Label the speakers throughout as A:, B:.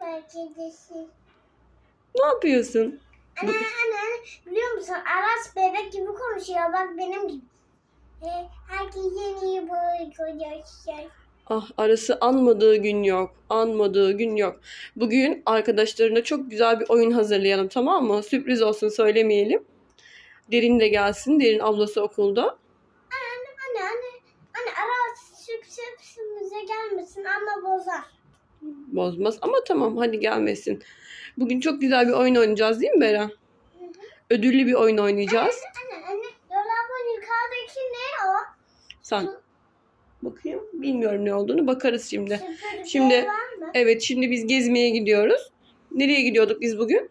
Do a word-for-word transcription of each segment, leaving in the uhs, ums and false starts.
A: kedisi.
B: Ne yapıyorsun?
A: Anne, anne, anne, biliyor musun? Aras bebek gibi konuşuyor. Bak benim gibi. He, herkesin iyi boy kocaman.
B: Ah, Aras'ı anmadığı gün yok. Anmadığı gün yok. Bugün arkadaşlarına çok güzel bir oyun hazırlayalım, tamam mı? Sürpriz olsun, söylemeyelim. Derin de gelsin. Derin ablası okulda.
A: Anne, anne, anne, anne, Aras süp süpsümüze gelmesin ama bozar.
B: Bozmaz ama tamam, hadi gelmesin. Bugün çok güzel bir oyun oynayacağız değil mi Beren?
A: Hı hı.
B: Ödüllü bir oyun oynayacağız.
A: Anne, anne, dolabın yukarıdaki ne o?
B: Sen bakayım, bilmiyorum ne olduğunu, bakarız şimdi.
A: Süpürge
B: Şimdi
A: var mı?
B: evet, şimdi biz gezmeye gidiyoruz. Nereye gidiyorduk biz bugün?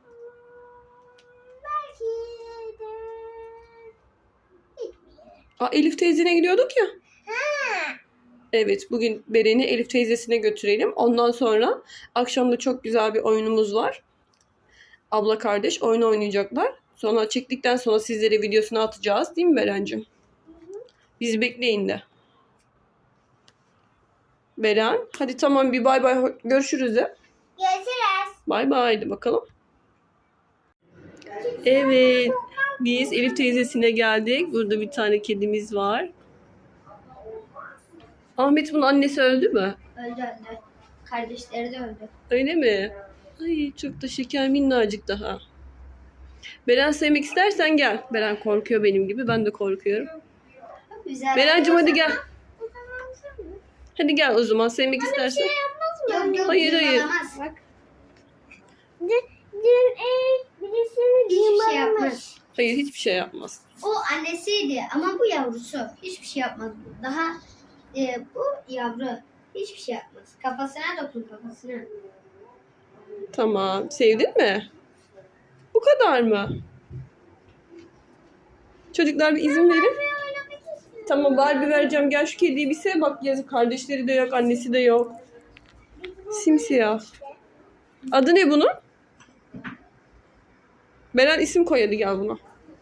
A: Belki de hiçbir yere.
B: Aa, Elif teyzene gidiyorduk ya.
A: Ha.
B: Evet, bugün Beren'i Elif teyzesine götürelim. Ondan sonra akşam da çok güzel bir oyunumuz var. Abla kardeş oyun oynayacaklar. Sonra çektikten sonra sizlere videosunu atacağız. Değil mi Beren'cim? Bizi bekleyin de. Beren, hadi tamam, bir bay bay, görüşürüz de.
A: Görüşürüz.
B: Bay bay, hadi bakalım. Evet, biz Elif teyzesine geldik. Burada bir tane kedimiz var. Ahmet, bunun annesi öldü mü?
A: Öldü öldü. Kardeşleri de öldü.
B: Öyle mi? Ay, çok da şeker, minnacık daha. Beren, sevmek istersen gel. Beren korkuyor benim gibi. Ben de korkuyorum.
A: Güzel.
B: Berencim, hadi gel. Hadi gel o zaman, sevmek
A: Bana
B: istersen.
A: bir şey yapmaz mı?
B: Yok, yok, hayır, hayır.
A: Bak. Dün, dün e, birisini
C: Hiçbir şey
A: yılanmış.
C: yapmaz.
B: Hayır, hiçbir şey yapmaz.
C: O annesiydi ama bu yavrusu. Hiçbir şey yapmaz bu. Daha e, bu yavru. Hiçbir şey yapmaz. Kafasına dokun kafasına.
B: Tamam. Sevdin mi? Bu kadar mı? Çocuklar, bir izin verin. Tamam, Barbie vereceğim. Gel şu kediyi bir sev bak. Yazık, kardeşleri de yok, annesi de yok. Simsiyah. Adı ne bunun? Beren, isim koy hadi, gel buna.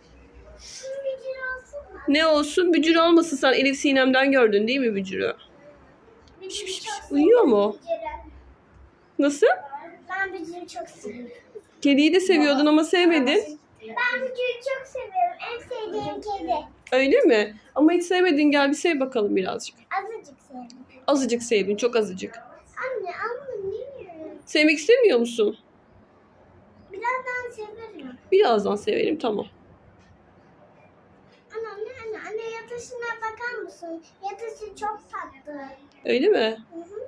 B: Ne olsun? Bücür olmasın, sen Elif Sinem'den gördün değil mi Bücür'ü? Piş, piş, piş. Uyuyor mu? Nasıl?
A: Ben Bücür'ü çok seviyorum.
B: Kediyi de seviyordun ama sevmedin.
A: Ben Bücür'ü çok seviyorum. En sevdiğim kedi.
B: Öyle mi? Ama hiç sevmedin, gel bir sev bakalım birazcık.
A: Azıcık sevdim.
B: Azıcık sevdin, çok azıcık.
A: Anne, anne niye?
B: Sevmek istemiyor musun?
A: Birazdan severim.
B: Birazdan severim, tamam.
A: Anne, anne, anne, anne yatışına bakar mısın? Yatışı çok tatlı.
B: Öyle mi?
A: Hı hı.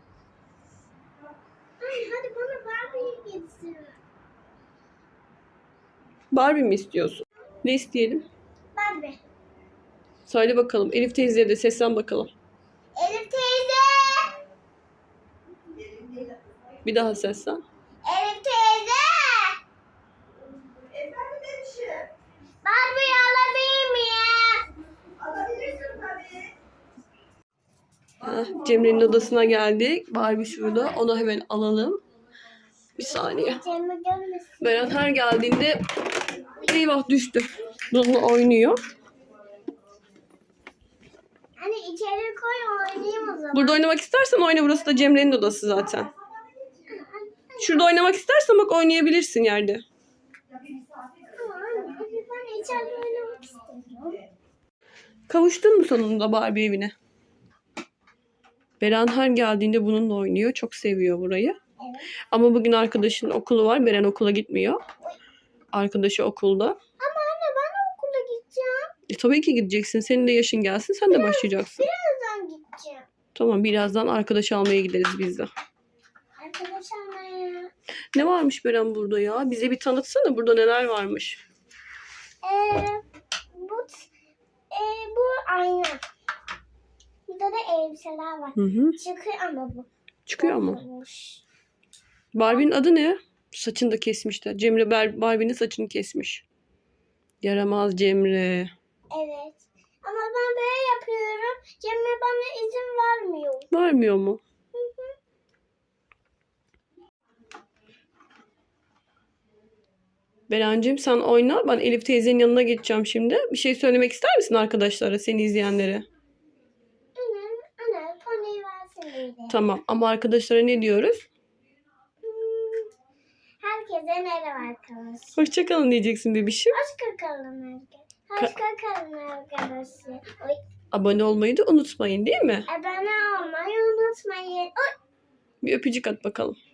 A: Ay, hadi bana Barbie'yi getir.
B: Barbie mi istiyorsun? Ne isteyelim?
A: Barbie.
B: Söyle bakalım. Elif teyzeye de seslen bakalım.
A: Elif teyze.
B: Bir daha seslen.
A: Elif teyze.
D: Efendim demişim.
A: Barbie'yi alabilir miyim?
D: Alabilirsin tabii.
B: Heh, Cemre'nin odasına geldik. Barbie şurada. Onu hemen alalım. Bir saniye.
A: Cem'i görmesin.
B: Berat her geldiğinde eyvah düştü. Bununla oynuyor.
A: Anne içeri koy oynayayım o zaman.
B: Burada oynamak istersen oyna. Burası da Cemre'nin odası zaten. Şurada oynamak istersen bak, oynayabilirsin yerde.
A: Ama anne, anne ben içeride oynamak istiyorum.
B: Kavuştun mu sonunda Barbie evine? Beren her geldiğinde bununla oynuyor. Çok seviyor burayı.
A: Evet.
B: Ama bugün arkadaşının okulu var. Beren okula gitmiyor. Arkadaşı okulda.
A: Ama anne ben okula gideceğim.
B: E, tabii ki gideceksin. Senin de yaşın gelsin. Sen de başlayacaksın.
A: Birazdan gideceğim.
B: Tamam, birazdan arkadaş almaya gideriz biz de.
A: Arkadaş almaya.
B: Ne varmış Beren burada ya? Bize bir tanıtsana, burada neler varmış.
A: Ee, bu e, bu ayna. Burada da elbiseler var.
B: Hı hı.
A: Çıkıyor ama bu.
B: Çıkıyor mu?
A: Bozulmuş.
B: Barbie'nin adı ne? Saçını da kesmişler. Cemre Bar- Barbie'nin saçını kesmiş. Yaramaz Cemre.
A: Evet. Ama ben böyle yapıyorum. Cemre bana izin vermiyor.
B: Varmıyor mu?
A: Hı hı.
B: Berencim, sen oyna. Ben Elif teyzenin yanına geçeceğim şimdi. Bir şey söylemek ister misin arkadaşlara, seni izleyenlere?
A: Anne, anne poniyi versene.
B: Tamam, ama arkadaşlara ne diyoruz?
A: Herkese merhaba arkadaşlar.
B: Hoşçakalın diyeceksin bebişim.
A: Hoşçakalın arkadaşlar. Hoşçakalın arkadaşlar. Oy,
B: Abone olmayı da unutmayın değil mi?
A: abone olmayı unutmayın. Oy.
B: Bir öpücük at bakalım.